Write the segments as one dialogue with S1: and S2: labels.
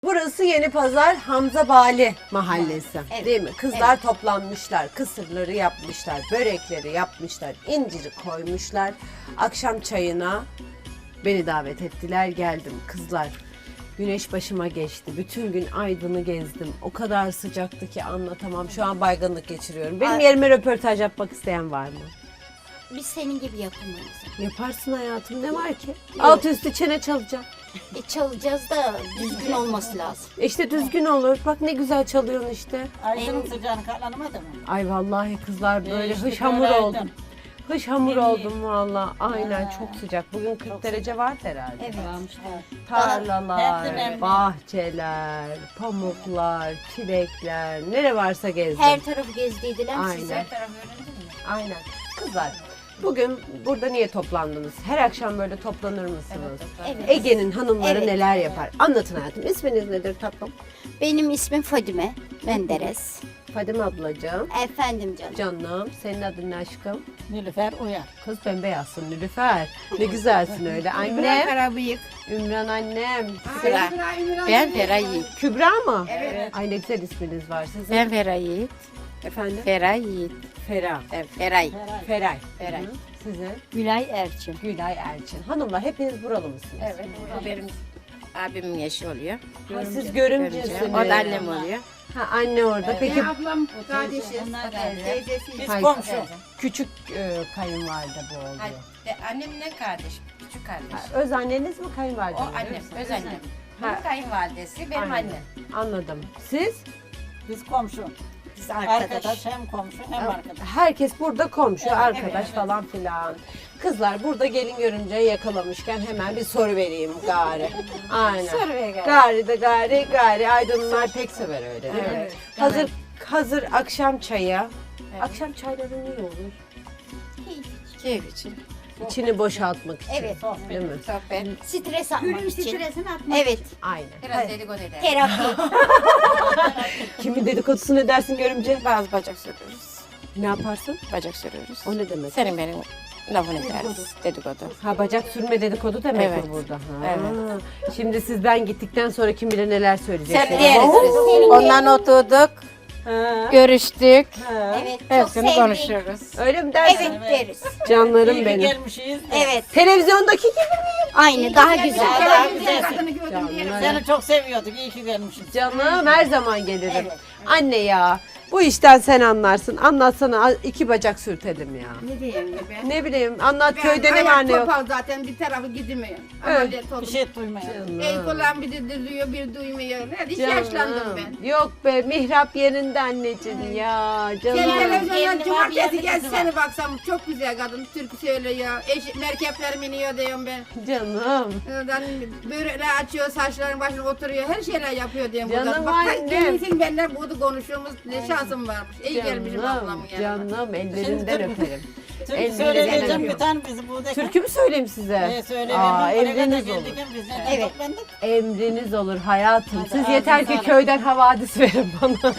S1: Burası Yeni Pazar Hamza Bali mahallesi,
S2: Evet.
S1: değil mi? Kızlar toplanmışlar, kısırları yapmışlar, börekleri yapmışlar, inciri koymuşlar. Akşam çayına beni davet ettiler, geldim kızlar. Güneş başıma geçti. Bütün gün Aydın'ı gezdim. O kadar sıcaktı ki anlatamam. Şu an baygınlık geçiriyorum. Benim yerime röportaj yapmak isteyen var mı?
S2: Biz senin gibi yapamayız.
S1: Yaparsın hayatım, ne var ki? Alt üstü çene çalacağım.
S2: Çalacağız da düzgün olması lazım.
S1: İşte düzgün olur. Bak ne güzel çalıyorsun işte.
S3: Aydın'ın sıcağını katlanamadı mı?
S1: Ay vallahi kızlar böyle
S3: Değişti,
S1: hış hamur
S3: karardı.
S1: oldum. Hış hamur
S3: Yeni.
S1: oldum valla. Aynen çok sıcak. Bugün 40 derece var herhalde.
S2: Evet.
S1: Tarlalar,
S3: Hepsi nemli.
S1: bahçeler, pamuklar, çilekler, nere varsa gezdim.
S2: Her tarafı gezdiydiler
S1: Aynen.
S2: size.
S1: Aynen. Kızlar, bugün burada niye toplandınız? Her akşam böyle toplanır mısınız?
S2: Evet.
S1: Ege'nin hanımları
S2: Evet.
S1: neler yapar? Anlatın hayatım. İsminiz nedir tatlım?
S2: Benim ismim Fadime Menderes.
S1: Fadime ablacığım.
S2: Efendim canım.
S1: Canım, senin adın ne aşkım?
S3: Nilüfer Uyar.
S1: Kız bembeyazsın Nilüfer. Ne güzelsin öyle. Annem.
S4: Karabıyık.
S1: Ümran annem.
S4: Ben Feray Yiğit.
S1: Kübra mı? Evet. Ay ne güzel isminiz var sizin.
S4: Ben Feray Yiğit.
S1: Efendim?
S4: Feray Yiğit.
S1: Fera.
S4: Evet, Feray.
S1: Feray.
S4: Feray.
S1: Hı. Sizin?
S4: Gülay Erçin.
S1: Gülay Erçin. Hanımlar hepiniz buralı mısınız?
S4: Evet. O benim abimin yaşı oluyor.
S1: Ha, siz görümcesiniz.
S4: O da annem oluyor.
S1: Ha, anne orada. Peki
S4: Ablam kardeşi.
S3: Onlar geldi. Biz
S1: Hayır.
S3: komşu.
S1: küçük kayınvalide bu oluyor.
S5: Annemle kardeş, küçük kardeş.
S1: Ha, öz anneniz mi kayınvalide
S5: O
S1: mi?
S5: annem, öz annem.
S1: Ha.
S5: Bu kayınvalidesi, benim
S1: Aynen.
S5: annem.
S1: Anladım. Siz?
S3: Biz komşu.
S2: Biz
S3: Arkadaş hem komşu hem arkadaş.
S1: Herkes burada komşu, arkadaş falan filan. Kızlar burada gelin görünce yakalamışken hemen bir soru vereyim gari. Aynen.
S4: Soru ver gari.
S1: Gari de gari. Aydınlılar pek sever öyle değil mi? Hazır akşam çayı. Akşam çayları ne olur?
S4: Keyif için.
S1: İçini boşaltmak için.
S2: Evet.
S1: Değil mi?
S4: Sohbet.
S2: Stres atmak için.
S4: Stresini atmak.
S2: Evet.
S1: Aynen.
S5: Biraz dedikodu eder.
S2: Terapi.
S1: Kimin dedikodusunu edersin görümce?
S4: Bazı bacak sürüyoruz.
S1: Ne yaparsın?
S4: Bacak sürüyoruz.
S1: O ne demek?
S4: Senin benim lafını ederiz. Dedikodu.
S1: Ha bacak sürme dedikodu demek
S4: Evet.
S1: mi burada? Ha.
S4: Evet.
S1: Şimdi siz ben gittikten sonra kim bilir neler söyleyeceksiniz.
S4: Sen diyeriz biz. Ondan oturduk,
S1: Ha.
S4: görüştük.
S2: Evet. Çok
S4: Hepsini
S2: sevdik.
S4: konuşuyoruz.
S1: Öyle mi dersin?
S2: Evet deriz.
S1: Canlarım
S3: İyi ki
S1: benim.
S3: gelmişiz.
S2: Evet.
S1: Televizyondaki gibi mi?
S2: Aynı. Daha güzel.
S3: Daha güzelsin.
S1: Canım,
S3: Seni çok seviyorduk. İyi ki gelmişiz.
S1: canım her zaman gelirim.
S2: Evet.
S1: Anne ya bu işten sen anlarsın. Anlatsana 2 bacak sürtelim ya.
S4: Ne diyeyim ben?
S1: Ne bileyim anlat köyde ne var ne yok.
S6: Topal zaten bir tarafı gidemiyor.
S1: Evet.
S6: Ameliyat
S3: Bir
S6: oldum.
S3: şey duymayalım.
S6: El kulağım bir duyuyor, bir duymuyor. Hiç yaşlandım ben.
S1: Yok be mihrap yerinde anneciğim ya canım.
S6: Sen televizyondan
S3: Yeğenim
S6: cumartesi
S3: abi,
S6: gel
S3: yeğenim
S6: seni baksam çok güzel kadın türkü söylüyor. Merkepler biniyor diyorum ben.
S1: Canım.
S6: Oradan börekler açıyor, saçların başına oturuyor. Her şeyler yapıyor diyorum
S1: Canım
S6: buradan. Bak
S1: annem.
S6: gelmişsin benimle burada konuşuyoruz. Ne şansım varmış. İyi gelmişim ablamın
S1: Canım,
S6: yanına.
S1: canım ellerinden öperim.
S3: Türkü
S1: Ellerinden
S3: söyleyeceğim
S1: öperim.
S3: bir tane bizi buradaki.
S1: Türkü mü söyleyeyim size?
S3: Söyleyelim.
S1: Emriniz olur.
S3: Biz neden
S2: Evet.
S3: toplandık?
S1: Emriniz olur hayatım.
S3: Hadi
S1: Siz
S3: ağzına
S1: yeter ki
S3: sağlık.
S1: köyden havadis verin bana.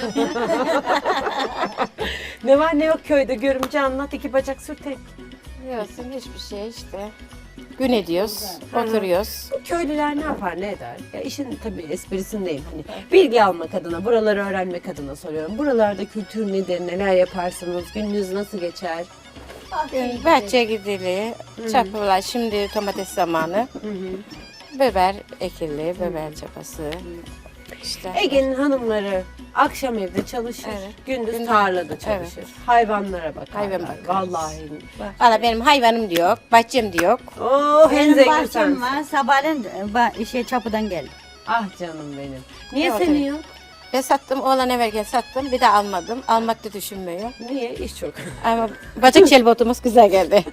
S1: Ne var ne yok köyde görümce anlat 2 bacak sürtek.
S4: Yok, hiçbir şey işte. Gün ediyoruz, oturuyoruz.
S1: Bu köylüler ne yapar ne eder? Ya işin tabii esprisindeyim. Hani bilgi almak adına, buraları öğrenmek adına soruyorum. Buralarda kültür nedir, neler yaparsınız, gününüz nasıl geçer?
S4: Gün bahçeye gidilir, çapılar, şimdi domates zamanı. Biber ekili, biber çapası. İşte.
S1: Ege'nin hanımları akşam evde çalışır,
S4: Evet.
S1: gündüz tarlada çalışır.
S4: Evet.
S1: Hayvanlara bakarlar.
S4: Hayvan bakarız.
S1: Vallahi.
S4: Valla benim hayvanım da yok, bahçem de yok.
S1: Oh en
S7: Benim
S1: zengin
S7: bahçem
S1: sensin.
S7: var. Sabahleyin çapıdan geldim.
S1: Ah canım benim. Niye
S4: Evet,
S1: senin
S4: evet.
S1: yok?
S4: Ben sattım, oğlan everken sattım, bir de almadım. Almak da düşünmüyor.
S1: Niye? İş çok.
S4: Ama bacak şelbotumuz güzel geldi.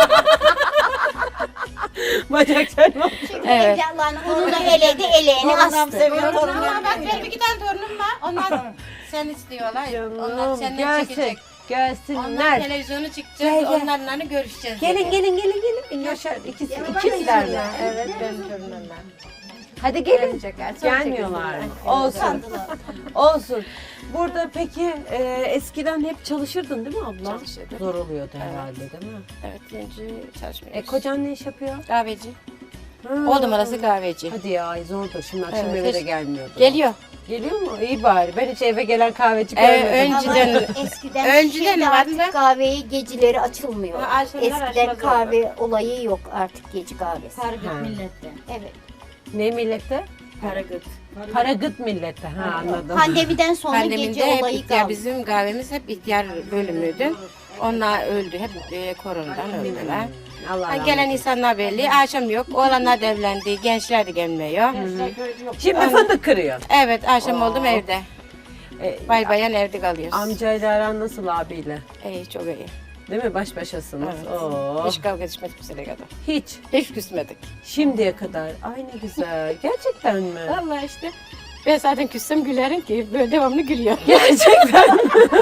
S1: Bacak çarpma.
S4: Evet.
S2: Onu da eledi, eleğini
S3: Torunum
S2: astı.
S3: seviyor, torunum.
S5: Bak benim 2 tane torunum var. Onlar sen istiyorlar. Onlar
S1: Canım
S5: senden
S1: gelsin.
S5: çekecek. Onlar
S1: Gelsinler.
S5: televizyonu çıkacağız.
S1: Gel, gel.
S5: Onlarla görüşeceğiz.
S1: Gelin gelin. Yaşar ikizler mi?
S4: Evet, benim torunumlar.
S1: Hadi gelin.
S4: Gelecekler, çok
S1: Gelmiyorlar mı?
S4: çekildiler.
S1: Olsun. Olsun. Burada peki eskiden hep çalışırdın değil mi abla?
S4: Çalışırdım.
S1: Zor oluyordu herhalde değil mi?
S4: Evet, önce çalışmıyoruz.
S1: Kocan ne iş yapıyor?
S4: Kahveci. Oldum arası kahveci.
S1: Hadi ya zordur. Şimdi akşam
S4: Evet,
S1: eve de
S4: hiç-
S1: gelmiyordu.
S4: Geliyor.
S1: Geliyor mu? İyi bari. Ben hiç eve gelen kahveci görmedim.
S4: Önceden
S2: Eskiden
S4: Önceden
S2: şimdi
S4: vardı.
S2: artık kahveyi geceleri açılmıyor.
S4: Ha, akşamlar
S2: Eskiden
S4: açmaz
S2: kahve olayı yok artık gece kahvesi.
S1: Ha.
S7: millette.
S2: Evet.
S1: Ne millette?
S7: Paragıt.
S1: Paragıt millette. Ha anladım.
S2: Pandemiden sonra
S4: pandemide
S2: gece
S4: hep
S2: olayı
S4: ihtiyar,
S2: kaldı.
S4: bizim kahvemiz hep ihtiyar bölümüydü. Onlar öldü. Hep koronadan öldüler.
S1: Allah
S4: Ha,
S1: rahmet
S4: gelen
S1: eylesin.
S4: insanlar belli. Akşam yok. Oğlanlar da evlendi. Gençler de gelmiyor.
S1: Şimdi fındık kırıyor.
S4: Evet akşam oldum evde. Bay bayan evde kalıyoruz.
S1: Amcayla aran nasıl abiyle?
S4: İyi çok iyi.
S1: Değil mi? Baş başasınız.
S4: Evet.
S1: Oo.
S4: Hiç kavga etmedik bize kadar.
S1: Hiç.
S4: Hiç küsmedik.
S1: Şimdiye kadar. Ay ne güzel. Gerçekten mi?
S4: Vallahi işte. Ben zaten küssem gülerim ki böyle devamlı gülüyor.
S1: Gerçekten.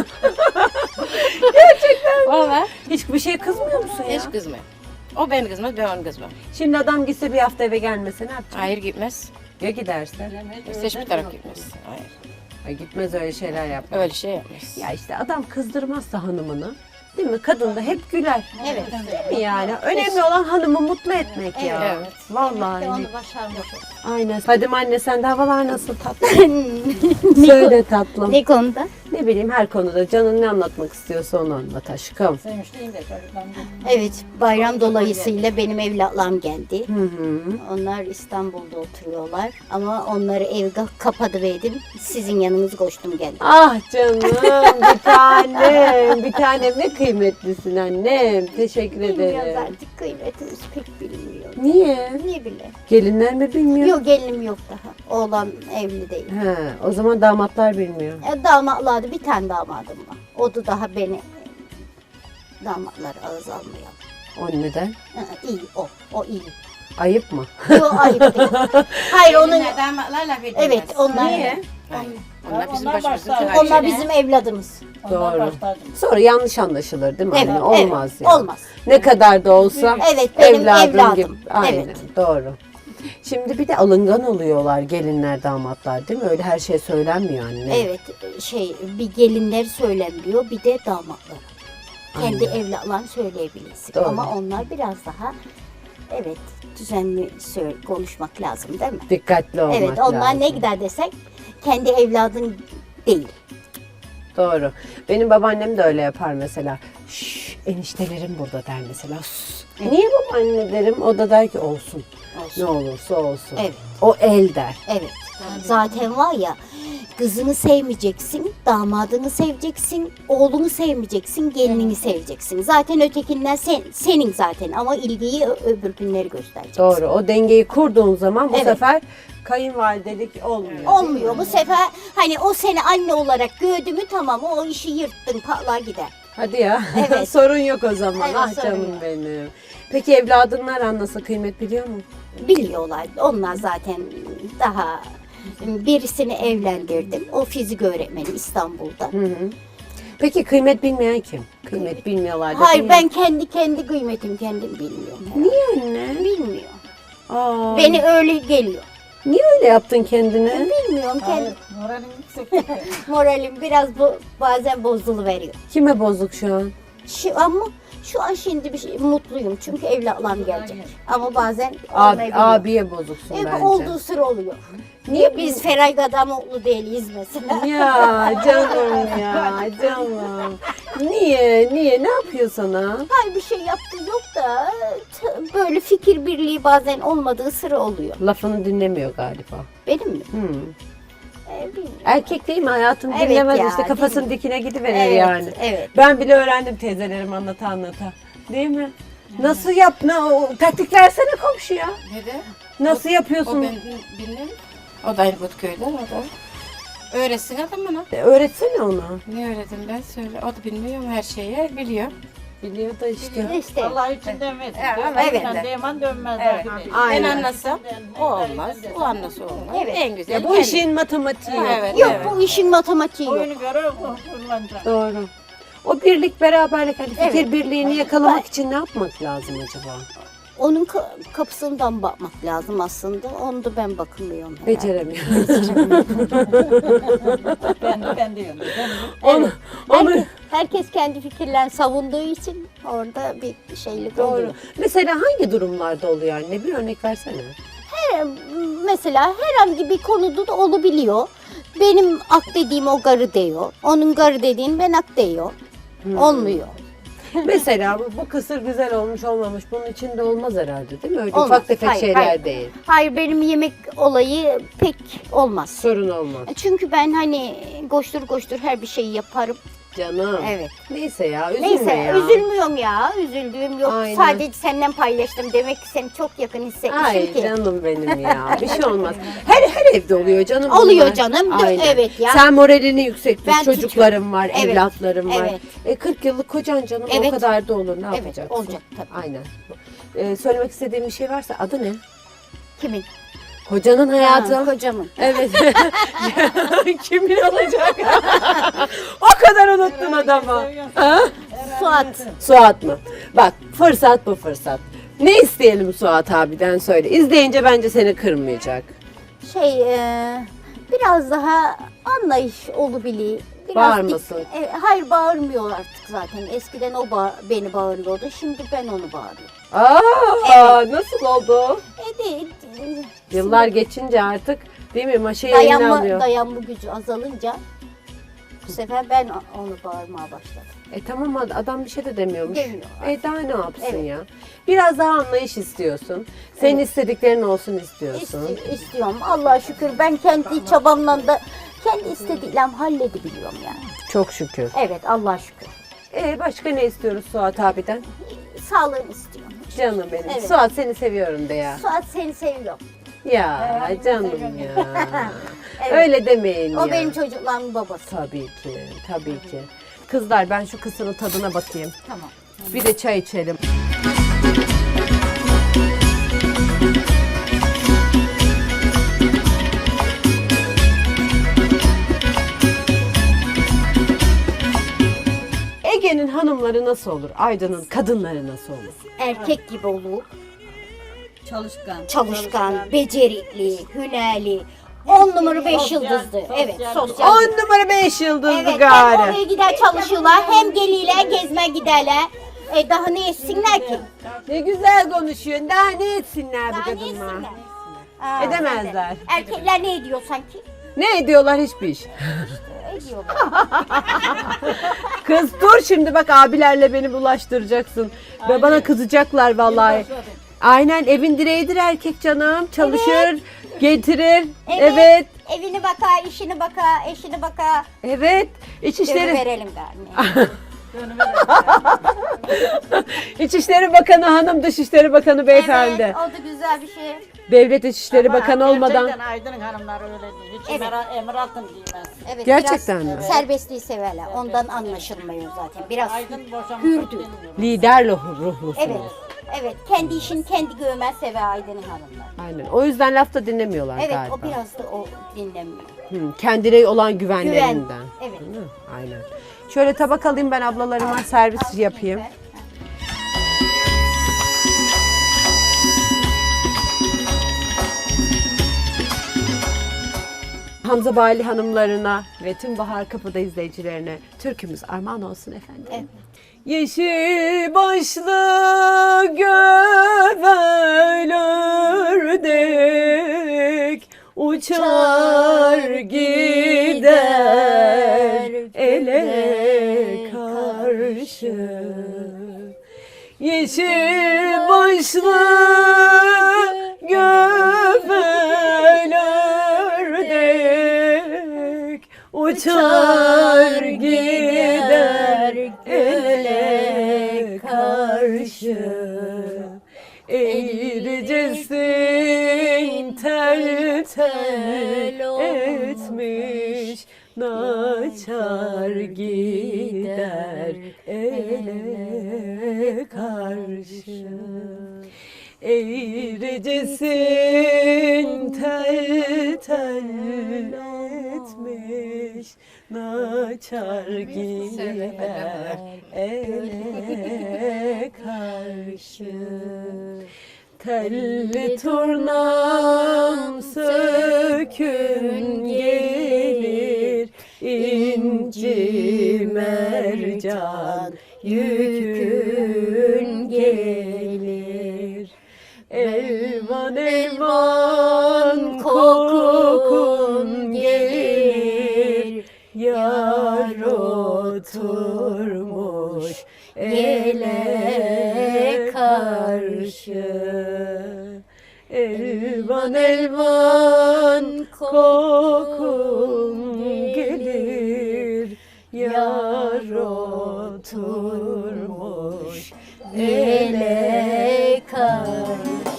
S4: Vallahi
S1: Hiç bir şey kızmıyor musun ya?
S4: hiç kızmıyor. O beni kızmaz, ben onu kızmam.
S1: Şimdi adam gitse bir hafta eve gelmese ne yapacak?
S4: Hayır gitmez.
S1: Ya giderse?
S4: Hiçbir taraf gitmez. Hayır.
S1: Ay gitmez öyle şeyler yapmaz.
S4: Öyle şey yapmaz.
S1: Ya işte adam kızdırmazsa hanımını. Değil mi? Kadın da hep güler.
S2: Evet.
S1: Değil mi yani? Önemli olan hanımı mutlu etmek ya.
S4: Evet.
S1: Vallahi.
S2: Onu başarmış.
S1: Aynen. Fadime anne sende havalar nasıl tatlım? Söyle tatlım.
S2: Ne konuda?
S1: Ne bileyim her konuda canın ne anlatmak istiyorsa onu anlat aşkım.
S3: Sevmişliğim de çocuklarım.
S2: Evet, bayram dolayısıyla benim evlatlarım geldi.
S1: Hı hı.
S2: Onlar İstanbul'da oturuyorlar ama onları evde kapatıverdim. Sizin yanınız koştum geldim.
S1: Ah canım bir tanem. Bir tanem ne kıymetlisin annem. Teşekkür
S2: Bilmiyoruz
S1: ederim.
S2: artık kıymetimiz pek bilmiyor.
S1: Niye?
S2: Ne bile.
S1: Gelinler mi bilmiyor?
S2: Yok gelinim yok daha. Oğlan evli değil.
S1: He, o zaman damatlar bilmiyor.
S2: Damatlardı bir tane damadım var. O da daha beni damatlar ağız almıyor.
S1: O neden?
S2: İyi o. O iyi.
S1: Ayıp mı?
S2: Yok ayıp değil. Hayır onun
S4: damatlar laf edilmez.
S2: evet onlar
S1: Niye?
S4: Onlar bizim
S3: Onlar
S4: başımızın
S3: başlar.
S4: tacı.
S2: onlar bizim evladımız.
S3: Onlar
S1: Doğru.
S3: başlardı.
S1: Sonra yanlış anlaşılır değil mi
S2: Evet,
S1: anne? Olmaz
S2: evet,
S1: ya.
S2: olmaz.
S1: Ne kadar da olsa
S2: Evet benim evladım.
S1: gibi. Aynen
S2: Evet.
S1: doğru. Şimdi bir de alıngan oluyorlar gelinler damatlar değil mi? Öyle her şey söylenmiyor anne.
S2: Evet bir gelinler söylenmiyor bir de damatlar. Kendi evlatlarını söyleyebilirsin.
S1: Doğru.
S2: Ama onlar biraz daha evet düzenli konuşmak lazım değil mi?
S1: Dikkatli olmak
S2: Evet onlar
S1: lazım.
S2: ne gider desek kendi evladın değil.
S1: Doğru. Benim babaannem de öyle yapar mesela. Şşş eniştelerim burada der mesela. Sus. Niye babaanne derim? O da der ki olsun. Ne olursa olsun.
S2: Evet.
S1: O el der.
S2: Evet. Zaten var ya kızını sevmeyeceksin, damadını seveceksin, oğlunu sevmeyeceksin, gelinini seveceksin. Zaten ötekinden senin zaten ama ilgiyi öbür günleri göstereceksin.
S1: Doğru. O dengeyi kurduğun zaman bu
S2: Evet.
S1: sefer kayınvalidelik olmuyor.
S2: Olmuyor bu sefer hani o seni anne olarak gördü mü tamam o işi yırttın patlar gider.
S1: Hadi ya.
S2: Evet.
S1: Sorun yok o zaman.
S2: Evet,
S1: ah
S2: sorun
S1: canım
S2: yok.
S1: benim. Peki evladınlar nasıl kıymet biliyor mu?
S2: Biliyorlar onlar zaten daha birisini evlendirdim. O fizik öğretmeni İstanbul'da.
S1: Hı hı. Peki kıymet bilmeyen kim? Kıymet bilmiyorlar da.
S2: Hayır
S1: bilmiyor.
S2: ben kendi kıymetim kendim bilmiyorum.
S1: Niye anne?
S2: Bilmiyor.
S1: Aa,
S2: Beni öyle geliyor.
S1: niye öyle yaptın kendine?
S2: Bilmiyorum kendi
S3: Hayır, moralim yüksek.
S2: moralim biraz bazen bozuluveriyor.
S1: Kime bozuk şu an?
S2: Ama şu an şimdi mutluyum çünkü evlatlarım gelecek. Ama bazen
S1: Abi,
S2: olmayabiliyor.
S1: abiye bozuksun bence.
S2: Olduğu sıra oluyor. Niye biz Ferayga'da mutlu değiliz mesela?
S1: Ya canım ya canım. Niye? Ne yapıyor sana?
S2: Hayır bir şey yaptığı yok da böyle fikir birliği bazen olmadığı sıra oluyor.
S1: Lafını dinlemiyor galiba.
S2: Benim mi?
S1: Hmm.
S2: Bilmiyorum.
S1: Erkek değil mi? Hayatını
S2: Evet
S1: dinlemez
S2: ya,
S1: işte kafasının
S2: dinle-
S1: dikine gidiverir
S2: Evet,
S1: yani.
S2: evet.
S1: Ben bile öğrendim teyzelerim anlata. Değil mi? Nasıl yap? Taktik versene komşuya.
S4: Ne de?
S1: Nasıl
S4: O
S1: yapıyorsun?
S4: ben bilmem. O da aynı Butköy'den o da. Öğretsin adam bana.
S1: Öğretsene ona.
S4: Ne öğretim ben söyle. O da bilmiyor her şeyi biliyor.
S1: Biliyor da işte.
S2: İşte
S3: Allah için demez.
S2: evet.
S3: Deman dönmez.
S4: Evet.
S3: artık.
S1: Aynen.
S4: Ben anlasam o olmaz. O anlasa olmaz.
S2: Evet.
S4: En güzel.
S1: Ya bu
S4: kendi.
S1: işin matematiği yok.
S4: Evet,
S2: yok
S4: evet.
S2: bu işin matematiği yok.
S3: Oyunu görür kullanacak.
S1: Doğru. O birlik beraberlik hani fikir
S2: Evet.
S1: birliğini yakalamak için ne yapmak lazım acaba?
S2: Onun kapısından bakmak lazım aslında. Onu da ben bakmıyorum. herhalde.
S1: Beceremiyorum.
S3: Ben de yönüm.
S1: onu, onu,
S2: herkes kendi fikirlerini savunduğu için orada bir şeylik
S1: Doğru.
S2: oluyor.
S1: Mesela hangi durumlarda oluyor anne? Bir örnek versene.
S2: Mesela herhangi bir konuda da olabiliyor. Benim ak dediğim o garı diyor. Onun garı dediğin ben ak diyor. Olmuyor.
S1: Mesela bu kısır güzel olmuş olmamış bunun içinde olmaz herhalde değil mi? Öyle
S2: Olmaz.
S1: ufak tefek
S2: Hayır,
S1: şeyler
S2: hayır.
S1: değil.
S2: Hayır, benim yemek olayı pek olmaz.
S1: Sorun olmaz.
S2: Çünkü ben hani koştur her bir şeyi yaparım.
S1: Canım.
S2: Evet.
S1: Neyse ya üzülme
S2: Neyse
S1: ya.
S2: üzülmüyorum ya. Üzüldüğüm yok.
S1: Aynen.
S2: Sadece senden paylaştım. Demek ki seni çok yakın hissetmişim
S1: Ay
S2: ki.
S1: canım benim ya. Bir şey olmaz. Her evde oluyor canım.
S2: Oluyor
S1: bunlar.
S2: canım.
S1: Aynen.
S2: Evet ya.
S1: Sen moralini yüksek tut.
S2: Ben
S1: Çocuklarım var,
S2: Evet.
S1: evlatlarım var.
S2: Evet.
S1: 40 yıllık kocan canım o
S2: Evet.
S1: kadar da olur. Ne
S2: Evet,
S1: yapacaksın?
S2: olacak tabii.
S1: Aynen. Söylemek istediğim bir şey varsa adı ne?
S2: Kimin?
S1: Kocanın hayatı.
S2: Ha, kocamın.
S1: Evet. Kimin olacak? O kadar unuttun adamı. Ha?
S2: Suat.
S1: Suat mı? Bak fırsat bu fırsat. Ne isteyelim Suat abiden söyle. İzleyince bence seni kırmayacak.
S2: Biraz daha anlayış olabilir. Biraz
S1: Bağırmasın.
S2: Hayır, bağırmıyor artık zaten. Eskiden o beni bağırıyordu. Şimdi ben onu bağırıyorum.
S1: Aa, nasıl oldu?
S2: Evet.
S1: Yıllar geçince artık değil mi? Maşayı eline alıyor.
S2: Dayanma gücü azalınca bu sefer ben onu bağırmaya başladım.
S1: Tamam adam bir şey de demiyormuş.
S2: Demiyor.
S1: Daha ne yapsın
S2: Evet.
S1: ya? Biraz daha anlayış istiyorsun. Senin istediklerin olsun istiyorsun.
S2: İstiyorum. Allah'a şükür ben kendi çabamla da kendi istediklerimi halledebiliyorum yani.
S1: Çok şükür.
S2: Evet, Allah'a şükür.
S1: Başka ne istiyoruz Suat abiden?
S2: Sağlığını istiyorum.
S1: Canım benim.
S2: Evet.
S1: Suat seni seviyorum de ya.
S2: Suat, seni seviyorum.
S1: Ya canım ya.
S2: Evet.
S1: Öyle demeyin
S2: O
S1: ya.
S2: benim çocuklarımın babası.
S1: Tabii ki, tabii ki. Kızlar ben şu kısırın tadına bakayım.
S2: Tamam.
S1: Bir de çay içelim. Ege'nin hanımları nasıl olur? Aydın'ın kadınları nasıl olur?
S2: Erkek gibi olur.
S7: Çalışkan.
S2: Becerikli, hünerli. 10 numara 5 yıldızlı. Evet, sosyal.
S1: 10 numara 5 yıldızlı
S2: Evet, hem
S1: gari.
S2: oraya gider çalışıyorlar, hem geliyorlar, gezme giderler. Daha ne etsinler ki?
S1: Ne güzel konuşuyorsun. Daha ne etsinler bu
S2: Daha ne
S1: kadınlar?
S2: etsinler? Aa,
S1: Edemezler.
S2: Erkekler ne ediyor sanki?
S1: Ne ediyorlar hiçbir iş.
S2: Ediyorlar.
S1: Kız dur şimdi bak abilerle beni bulaştıracaksın. Ve bana kızacaklar vallahi. Aynen evin direğidir erkek canım. Çalışır, getirir. Evet.
S2: Evini bakar, işini bakar, eşini bakar.
S1: Evet. İçişleri
S2: Verelim galiba.
S1: İçişleri Bakanı hanım, Dışişleri Bakanı beyefendi.
S2: Evet, o da güzel bir şey.
S1: Devlet İçişleri Bakanı olmadan.
S3: Gerçekten Aydın'ın hanımları öyle değil. Hiç emir altın giymez.
S2: Evet,
S1: Gerçekten
S2: biraz
S1: mi?
S2: Serbestliği severler. Ondan anlaşılmıyor zaten. Biraz
S3: Aydın boşanmak
S2: hürdü.
S3: istemiyor.
S1: Lider ruhlusunuz.
S2: Evet. Evet, kendi işini kendi görmez sever Aydın'ın hanımlar.
S1: Aynen. O yüzden laf da dinlemiyorlar
S2: Evet,
S1: galiba.
S2: o biraz da o dinlemiyor.
S1: Kendine olan güvenlerinden.
S2: Evet.
S1: Değil mi? Aynen. Şöyle tabak alayım ben ablalarıma servis yapayım. Hamza Bali hanımlarına ve tüm Bahar Kapı'da izleyicilerine türkümüz armağan olsun efendim.
S2: Evet.
S1: Yeşil başlı gövel ördek uçar gider ele karşı. Yeşil başlı gövel ördek uçar gider ele karşı. Eğricesin tel tel etmiş naçar gider ele karşı. Eğricesin tel tel etmiş naçar gider ele karşı. Telli turnam sökün gelir inci mercan can yükün gelir. Elvan elvan kokun gelir, yar oturmuş ele karşı. Elvan elvan kokun gelir, yar oturmuş ele karşı.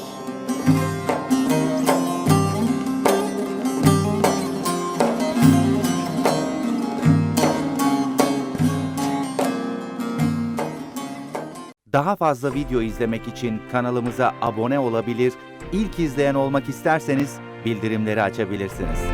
S8: Daha fazla video izlemek için kanalımıza abone olabilir, ilk izleyen olmak isterseniz bildirimleri açabilirsiniz.